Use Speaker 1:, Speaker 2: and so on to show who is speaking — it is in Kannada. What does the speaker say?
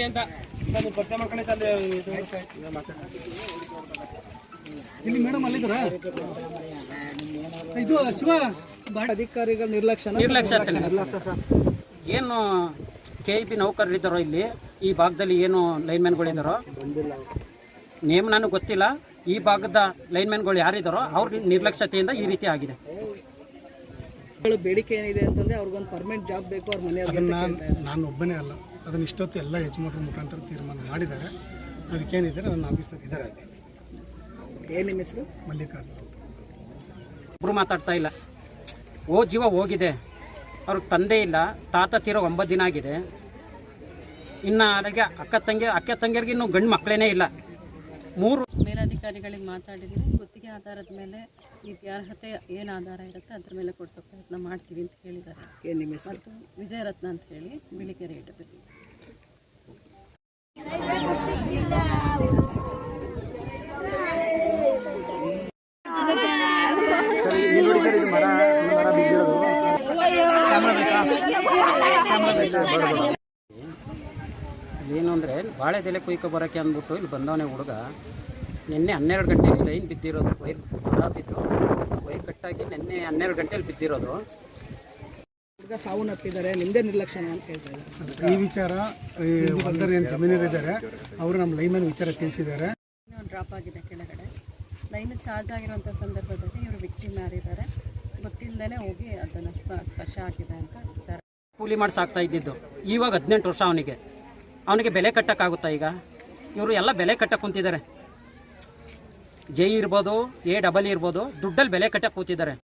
Speaker 1: ಅಂತ ನಾನು ಪತ್ತೆ ಮಾಡ್ಕೊಂಡೆ ಸರ್
Speaker 2: ಇಲ್ಲಿ ಮೇಡಮ್ ಅಲ್ಲಿದ್ರ ಇದು ಶಿವ ಅಧಿಕಾರಿಗಳ ನಿರ್ಲಕ್ಷ್ಯ
Speaker 3: ಏನು KEB ನೌಕರರಿದ್ದಾರೋ ಇಲ್ಲಿ ಈ ಭಾಗದಲ್ಲಿ ಏನು ಲೈನ್ಮ್ಯಾನ್ಗಳಿದ್ದಾರೋ ನೇಮ್ ನನಗೆ ಗೊತ್ತಿಲ್ಲ. ಈ ಭಾಗದ ಲೈನ್ಮ್ಯಾನ್ಗಳು ಯಾರಿದ್ದಾರೋ ಅವ್ರ ನಿರ್ಲಕ್ಷ್ಯತೆಯಿಂದ ಈ ರೀತಿ ಆಗಿದೆ.
Speaker 2: ಬೇಡಿಕೆ ಏನಿದೆ ಅಂತಂದ್ರೆ ಅವ್ರಿಗೊಂದು ಪರ್ಮನೆಂಟ್ ಜಾಬ್ ಬೇಕು ಅವ್ರ ಮನೆಯವ್ರಿಗೆ.
Speaker 4: ನಾನು ಒಬ್ಬನೇ ಅಲ್ಲ, ಅದನ್ನ ಇಷ್ಟೊತ್ತು ಎಲ್ಲ ಯಜಮಾನರ ಮುಖಾಂತರ ತೀರ್ಮಾನ ಮಾಡಿದ್ದಾರೆ. ಅದಕ್ಕೇನಿದೆ ನನ್ನ ಆಫೀಸರ್ ಇದ್ದಾರೆ.
Speaker 2: ಏನು ನಿಮ್ಮ ಹೆಸರು?
Speaker 4: ಮಲ್ಲಿಕಾರ್ಜುನ.
Speaker 3: ಒಬ್ಬರು ಮಾತಾಡ್ತಾ ಇಲ್ಲ. ಜೀವ ಹೋಗಿದೆ. ಅವ್ರಿಗೆ ತಂದೆ ಇಲ್ಲ, ತಾತ ತೀರೋ 9 ದಿನ ಆಗಿದೆ. ಇನ್ನು ಅವರಿಗೆ ಅಕ್ಕ ತಂಗಿಯರಿಗೆ ಇನ್ನೂ ಗಂಡು ಮಕ್ಕಳೇನೇ ಇಲ್ಲ. 3
Speaker 5: ಮೇಲಾಧಿಕಾರಿಗಳಿಗೆ ಮಾತಾಡಿದ್ದೀನಿ. ಗುತ್ತಿಗೆ ಆಧಾರದ ಮೇಲೆ ವಿದ್ಯಾರ್ಹತೆ ಏನು ಆಧಾರ ಇರುತ್ತೆ ಅದ್ರ ಮೇಲೆ ಕೊಡಿಸೋ ಪ್ರಯತ್ನ ಮಾಡ್ತೀವಿ ಅಂತ ಹೇಳಿದ್ದಾರೆ. ಮತ್ತು ವಿಜಯರತ್ನ ಅಂತ ಹೇಳಿ ಬಿಳಿಕೆರೆ ಇಡಬೇಕು.
Speaker 3: ಏನು ಅಂದರೆ ಬಾಳೆದೆಲೆ ಕುಯ್ಕೊ ಬರೋಕ್ಕೆ ಅಂದ್ಬಿಟ್ಟು ಇಲ್ಲಿ ಬಂದವನೇ ಹುಡುಗ. ನಿನ್ನೆ 12 ಗಂಟೆಯಲ್ಲಿ ಲೈನ್ ಬಿದ್ದಿರೋದು. ವೈರ್ ಬಿದ್ದು ವೈರ್ ಕಟ್ಟಾಗಿ ನಿನ್ನೆ 12 ಗಂಟೆಯಲ್ಲಿ ಬಿದ್ದಿರೋದು.
Speaker 2: ಹುಡುಗ ಸಾವನ್ನಪ್ಪಿದ್ದಾರೆ. ನಿಮ್ಮದೇ ನಿರ್ಲಕ್ಷ್ಯ ಅಂತ ಹೇಳ್ತಾರೆ.
Speaker 4: ಈ ವಿಚಾರ ಹೊಲದಲ್ಲಿ ಏನು ಜಮೀನರಿದ್ದಾರೆ ಅವರು ನಮ್ಮ ಲೈನ್ಮನ್ ವಿಚಾರ ತಿಳಿಸಿದ್ದಾರೆ.
Speaker 5: ಡ್ರಾಪ್ ಆಗಿದೆ ಕೆಳಗಡೆ. ಲೈನ್ ಚಾರ್ಜ್ ಆಗಿರುವಂಥ ಸಂದರ್ಭದಲ್ಲಿ ಇವರು ವಿಕ್ಟಿಮ್ ಯಾರಿದ್ದಾರೆ ಗೊತ್ತಿಲ್ಲದೇ ಹೋಗಿ ಅದನ್ನು ಸ್ಪರ್ಶ ಆಗಿದೆ ಅಂತ ವಿಚಾರ.
Speaker 3: ಕೂಲಿ ಮಾಡಿ ಸಾಕ್ತಾ ಇದ್ದಿದ್ದು. ಇವಾಗ 18 ವರ್ಷ ಅವನಿಗೆ ಬೆಲೆ ಕಟ್ಟಕ್ಕಾಗುತ್ತಾ? ಈಗ ಇವರು ಎಲ್ಲ ಬೆಲೆ ಕಟ್ಟಕ್ಕೆ ಕುಂತಿದ್ದಾರೆ. ಜೈ ಇರ್ಬೋದು, AEE ಇರ್ಬೋದು, ದುಡ್ಡಲ್ಲಿ ಬೆಲೆ ಕಟ್ಟಕ್ಕೆ ಕೂತಿದ್ದಾರೆ.